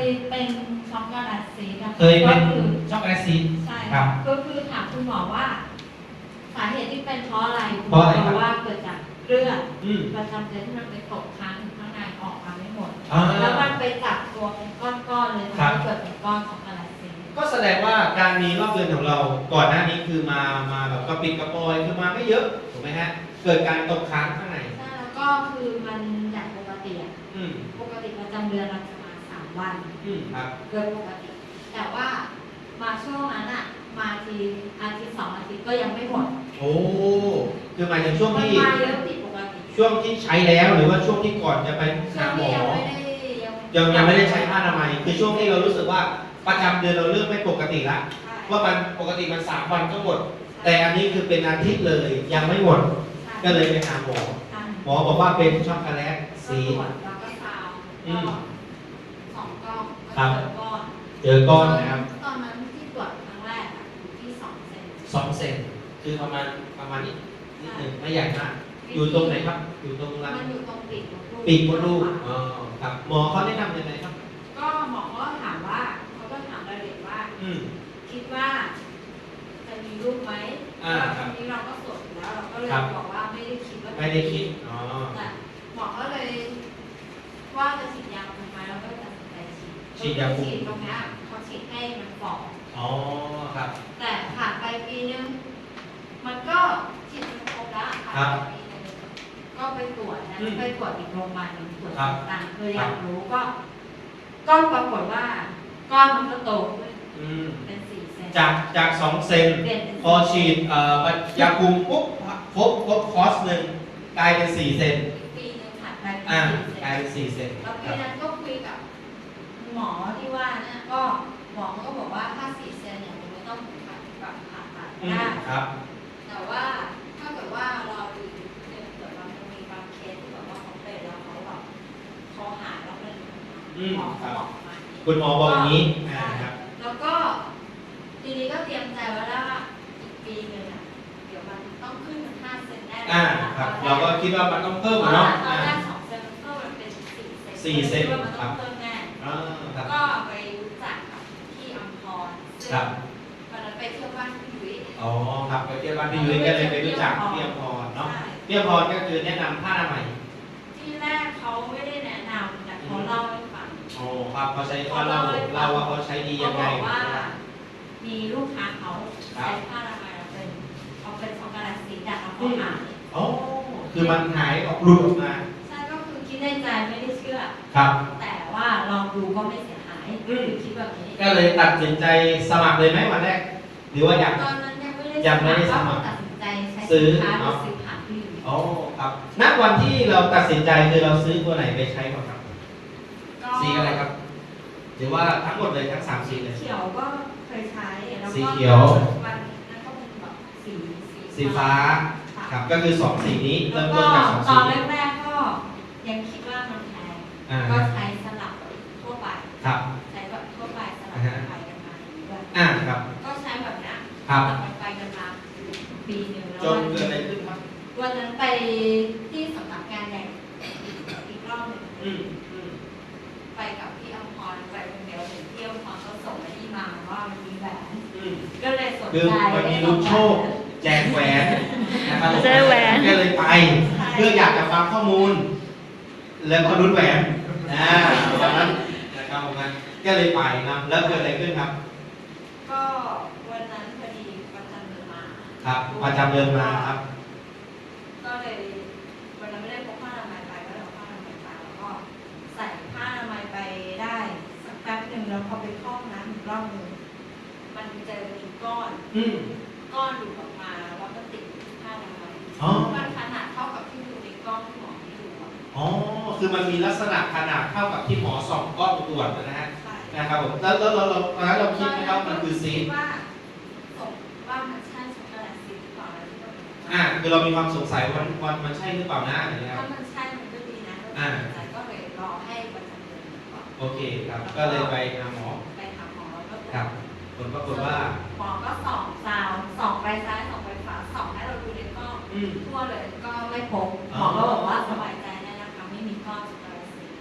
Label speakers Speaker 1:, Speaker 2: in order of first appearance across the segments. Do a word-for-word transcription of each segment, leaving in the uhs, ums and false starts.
Speaker 1: เป็นช็อกโกแลตซีด
Speaker 2: เคยเป็นช็อกโกแลตซีด
Speaker 1: ใช่
Speaker 2: ครับ
Speaker 1: ก็คือถามคุณหมอว่าสาเหตุที่เป็นเพราะอะไรคุณห
Speaker 2: เพ
Speaker 1: มอ
Speaker 2: ราะอะไรครับ
Speaker 1: บอกว่าเกิดจากเลือด
Speaker 2: อืม
Speaker 1: ประจำเดือนที่มันไปตกค้างอยู่ข้างในออกมาไม่หมด
Speaker 2: อ่า
Speaker 1: แล้วมันไปจับตัวเป็นก้อนๆเลย
Speaker 2: ครั
Speaker 1: ทำ
Speaker 2: บ
Speaker 1: ให้เกิดเป็นก้อนช็อกโกแลตซีด
Speaker 2: ก็แสดงว่าการมีรอบเดือนของเราก่อนหน้านี้คือมามาแบบกระปิดกระปอยคือมาไม่เยอะถูกไหมฮะเกิดการตกค้างข้างใน
Speaker 1: ใช่แล้วก็คือมันจากปกติอะ
Speaker 2: อืม
Speaker 1: ปกติประจำเดือนเราจะมาสามวัน
Speaker 2: อืมครับ
Speaker 1: เกินปกติ แต่ว่ามาช่วงนั้นอะมาทีอาทิตย์สองอาทิตย์ก็ยังไม่หมด
Speaker 2: โอ้คือหมายถึงช่วง
Speaker 1: มัน
Speaker 2: ที่
Speaker 1: มาเยอะผิดปกติ
Speaker 2: ช่วงที่ใช้แล้วหรือว่าช่วงที่ก่อนจะไป
Speaker 1: ช่ว
Speaker 2: หาง หม
Speaker 1: ที่
Speaker 2: อ
Speaker 1: ยังไม่ได้
Speaker 2: ยังยังไม่ได้ใช้ผ้าอนามัยคือช่วงที่เรารู้สึกว่าประจำเดือนเราเริ่มไม่ปกติละ
Speaker 1: ใช่
Speaker 2: ว่ามันปกติมันสามวันก็หมด แต่อันนี้คือเป็นอาทิตย์เลยยังไม่หมด
Speaker 1: ใช่
Speaker 2: ก็เลยไปหาหมอ
Speaker 1: ใช่
Speaker 2: หมอบอกว่าเป็นช็อกโกแลต
Speaker 1: ก็
Speaker 2: ซี
Speaker 1: ตร
Speaker 2: ด
Speaker 1: วจแล้วก็ซาวด์
Speaker 2: อื
Speaker 1: ก็
Speaker 2: ม
Speaker 1: สองกล้อง
Speaker 2: ครั
Speaker 1: ก็
Speaker 2: บ
Speaker 1: เจอก้อน
Speaker 2: เจอก้อนนะครับ
Speaker 1: ตอนนั้นที่ตรวจครั้งแรกอะอยู่ที่สองเซน
Speaker 2: สองเซนคือประมาณประมาณนี้นิดหนึ่งไม่ใหญ่มาก อยู่ตรงไหนครับ อยู่ตรงรัง
Speaker 1: มันอยู่ตรงปีกมดลูก
Speaker 2: ปีกมดลูกอ๋อครับหมอเขาแนะนำยังไงครับ
Speaker 1: ก็หมอก็ถามว่าเขาก็ถามรายละเอียดว่า
Speaker 2: อืม
Speaker 1: คิดว่าจะมีลูกไหม
Speaker 2: อ่า
Speaker 1: แล้ว
Speaker 2: ครับ
Speaker 1: ทีนี้เราก็สวดอยู่แล้วเราก็เลย
Speaker 2: ครับ
Speaker 1: บอกว่าไม่ได้คิดว่าจะ
Speaker 2: ไม่ได้คิดอ๋อ
Speaker 1: แต่หมอก็เลยว่าจะฉีดยาทำไมเราก็ตัดสินใจฉีด
Speaker 2: ฉีดยาคุม
Speaker 1: ฉีดตรงเนี้ยเขาฉีดให้มันฝ่อ
Speaker 2: อ๋อครับ
Speaker 1: แต่ผ่านไปปีนึงมันก็ฉีดจนครบแล้วผ่าน
Speaker 2: ครับ
Speaker 1: ไปปีนึงก็ไปตรวจนะ
Speaker 2: อืม
Speaker 1: ไปตรวจอีกโรงพยาบาลหนึงตรวจ
Speaker 2: ครับ
Speaker 1: ต่างๆคืออยากรู้ก็ก็ปรากฏว่าก้อนมันก็โตขึ้น
Speaker 2: อืม
Speaker 1: เป็นสี่เซน
Speaker 2: จากจากสองเซน
Speaker 1: เปลี่ยนเป็น
Speaker 2: พอฉีดเอ่อยาคุมปุ๊บครบครบคอร์สหนึ่งกลายเป็นสี่เซน
Speaker 1: ปีนึงผ่านไปเป็น
Speaker 2: อ่า
Speaker 1: สี่เซ
Speaker 2: กลาย
Speaker 1: น
Speaker 2: เป็นสี่เซน
Speaker 1: แล้ว
Speaker 2: ค
Speaker 1: ปี
Speaker 2: รับ
Speaker 1: นั้นก็คุยกับหมอที่ว่าเนี่ยก็หมอก็บอกว่าถ้าสี่เซนเนี่ยมันไม่ต้องผ่าตัดผ่าตัด
Speaker 2: อืม
Speaker 1: ได้
Speaker 2: ครับ
Speaker 1: แต่ว่าถ้าเกิดว่าเราดูเนี่ยเกิดว่ามันมีบางเคสที่แบบว่าเขาเป็นแล้วเขาแบบเขาหายแล้วเป็น
Speaker 2: อืม
Speaker 1: หมอ
Speaker 2: ครั
Speaker 1: เขา
Speaker 2: บ
Speaker 1: บอกประมาณนี้
Speaker 2: คุณหมอบอกอย่างนี้อ่า
Speaker 1: ใช่
Speaker 2: ครับ
Speaker 1: แล้วก็ทีนี้ก็เตรียมใจไว้แล้วว่าอีกปีหนึงอ่ะเดี๋ยวมันต้องขึ้นเป็นห้าเซนแน่
Speaker 2: อ่าครับ เราก็คิดว่ามันต้องเพิ่ม
Speaker 1: เพ
Speaker 2: อะ
Speaker 1: ราะว่า
Speaker 2: เนาะ
Speaker 1: ตอน
Speaker 2: อ่า
Speaker 1: แรกสองเซนมันเพิ่มมันเป็นสี่เซน
Speaker 2: สี่เซน
Speaker 1: คิดว่ามัน
Speaker 2: ครั
Speaker 1: ต้อบ งเพิ่มแน่
Speaker 2: อ่าครับ
Speaker 1: ก็ไปรู้จักกับพี่อัมพรซึ่ง
Speaker 2: ครับ
Speaker 1: วันนั้นไปเที่ยวบ้านพี่ยุ้ย
Speaker 2: อ๋อครับไปเที่ยวบ้านพี่ยุ้ยก็เลยไปรู้จักพี่อภรเนาะ
Speaker 1: ใช่
Speaker 2: พี่อภรก็คือแนะนำผ้าอนามัย
Speaker 1: ที่แรกเขาไม่ได้แนะนำแต่เขาเล่าให้ฟัง
Speaker 2: อ๋อครับเขาใช้เขาเล่าเล่าว่าเขาใช้ดียังไง
Speaker 1: เขาบอกว่า
Speaker 2: นะครับ
Speaker 1: มีลูกค้าเขา
Speaker 2: ครับ
Speaker 1: ใช้ผ้าอนามัยเราเป็นเขาเป็นช็อกโกแลตสีดำแล้วเขาหาย
Speaker 2: อ๋อคือมันหายออกหลุดออกมา
Speaker 1: ใช่ก็คือคิดในใจไม่ได้เชื่อ
Speaker 2: ครับ
Speaker 1: แต่ว่าลองดูก็ไม่เสียหาย
Speaker 2: อืม
Speaker 1: คิดแบบนี้
Speaker 2: ก็เลยตัดสินใจสมัครเลยไหมวันแรก หรือว่าอยาก
Speaker 1: ตอนนั้นยังไม่ได้
Speaker 2: ยังไม่ได้สมัคร
Speaker 1: ก็ตัดสินใจใช้
Speaker 2: ซื้อ
Speaker 1: สินค้า
Speaker 2: เนาะ
Speaker 1: ซื้อผ่านพี่ยุ้ย
Speaker 2: อ๋อครับณวันที่เราตัดสินใจคือเราซื้อตัวไหนไปใช้ก่อนครับ
Speaker 1: ก็
Speaker 2: สีอะไรครับ หรือว่าทั้งหมดเลยทั้งสามสีเลย
Speaker 1: เขียวก็เคยใช้แล้วก็
Speaker 2: สีเขียว
Speaker 1: วันนั้นก็เป็นแบบสี
Speaker 2: สีฟ้า ครับ ก็คือสองสีนี้
Speaker 1: แล้
Speaker 2: เริ่
Speaker 1: ว
Speaker 2: ม
Speaker 1: ก็
Speaker 2: ต้นจากสอง
Speaker 1: ต
Speaker 2: สี
Speaker 1: อน
Speaker 2: นี้
Speaker 1: แรกๆก็ยังคิดว่ามันแพง
Speaker 2: อ่า
Speaker 1: ก็ใช้สลับทั่วไป
Speaker 2: ครับ
Speaker 1: ใช้แบบทั่วไปสลับ
Speaker 2: อ่าฮะ
Speaker 1: ไปกันมาด้วย
Speaker 2: อ่าครับ
Speaker 1: ก็ใช้แบบนี้
Speaker 2: ครับ
Speaker 1: สลับกันไปกันมาปีหนึ่งแล้ว
Speaker 2: จนเกิดอะไรขึ้นครับ
Speaker 1: วันนั้นไปที่สำนักงานใหญ่อีกรอบหนึ่ง
Speaker 2: อืมอืม
Speaker 1: ไปกับพี่อมพรไปคนเดียวเห็นพี่อมพรก็ส่งไอ้นี่มาว่ามันมีแหวน
Speaker 2: อืม
Speaker 1: ก็เลยสน
Speaker 2: คือ
Speaker 1: ใจ
Speaker 2: มันมีลุ้นโชค แจกแหวนนะครับผม
Speaker 3: แจกแหวน
Speaker 2: ก็เลยไป เพื่ออยากจะฟังข้อมูล แล้วก็ลุ้นแหวนอ่าวันนั้นนะครับผมนะก็เลยไปนะแล้วเกิดอะไรขึ้นครับ
Speaker 1: ก็วันนั้นพอดีประจำเดือนมา
Speaker 2: ครับประจำเดือนมาครับ
Speaker 1: ก็เลยวันนั้นไม่ได้พกผ้าอนามัยไปก็เลยเอาผ้าอนามัยไปแล้วก็ใส่ผ้าอนามัยไปได้สักแป๊บหนึ่งแล้วพอไปเข้าห้องน้ำอีกรอบหนึงมันเจอมีก้อน
Speaker 2: อืม
Speaker 1: ก้อนหลุดออกมาแล้วก็ติดอยู่ที่ผ้าอนามัย
Speaker 2: อ๋อ
Speaker 1: มันขนาดเท่ากับที่ดูในกล้องที่หมอให้ดูอะ
Speaker 2: อ๋อ คือมันมีลักษณะขนาดเท่ากับที่หมอส่องกล้องตรวจนะฮะ
Speaker 1: ใช่
Speaker 2: นะครับผมแล้วแล้วเราเราตอนนั้นเราคิดไหมครับมันคือซีด
Speaker 1: ดว่าสงว่ามันใช่ช็อกโกแลตซีดหรือเปล่าอะไรที่เรา
Speaker 2: อ่าคือเรามีความสงสัยว่ามันมันใช่หรือเปล่านะอะไรเงี้ยค
Speaker 1: ถ้า
Speaker 2: รับ
Speaker 1: มันใช่มันก็ดีนะก็
Speaker 2: อ่า
Speaker 1: สนใจก็เลยรอให้ประจำเดือนก่อน
Speaker 2: โอเคครับ ก็เลยไปหาหมอ
Speaker 1: ไปหาหมอแล้วก็ตวจ
Speaker 2: ครับผลปรากฏว่า
Speaker 1: หมอก็ส่องซาวส่องไปซ้ายส่องไปขวาส่องให้เราดูในกล้อง
Speaker 2: อืม
Speaker 1: ทั่วเลยก็ไม่พบห
Speaker 2: อ๋
Speaker 1: ม
Speaker 2: อ
Speaker 1: อก็บอกว่าสบายใจได้นะคะไม่มีก้อนช็อกโกแลตซีด
Speaker 2: อ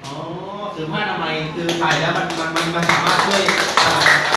Speaker 2: อ๋อคือผ้าอนามัยคือใส่แล้วมันมันมันมันสามารถ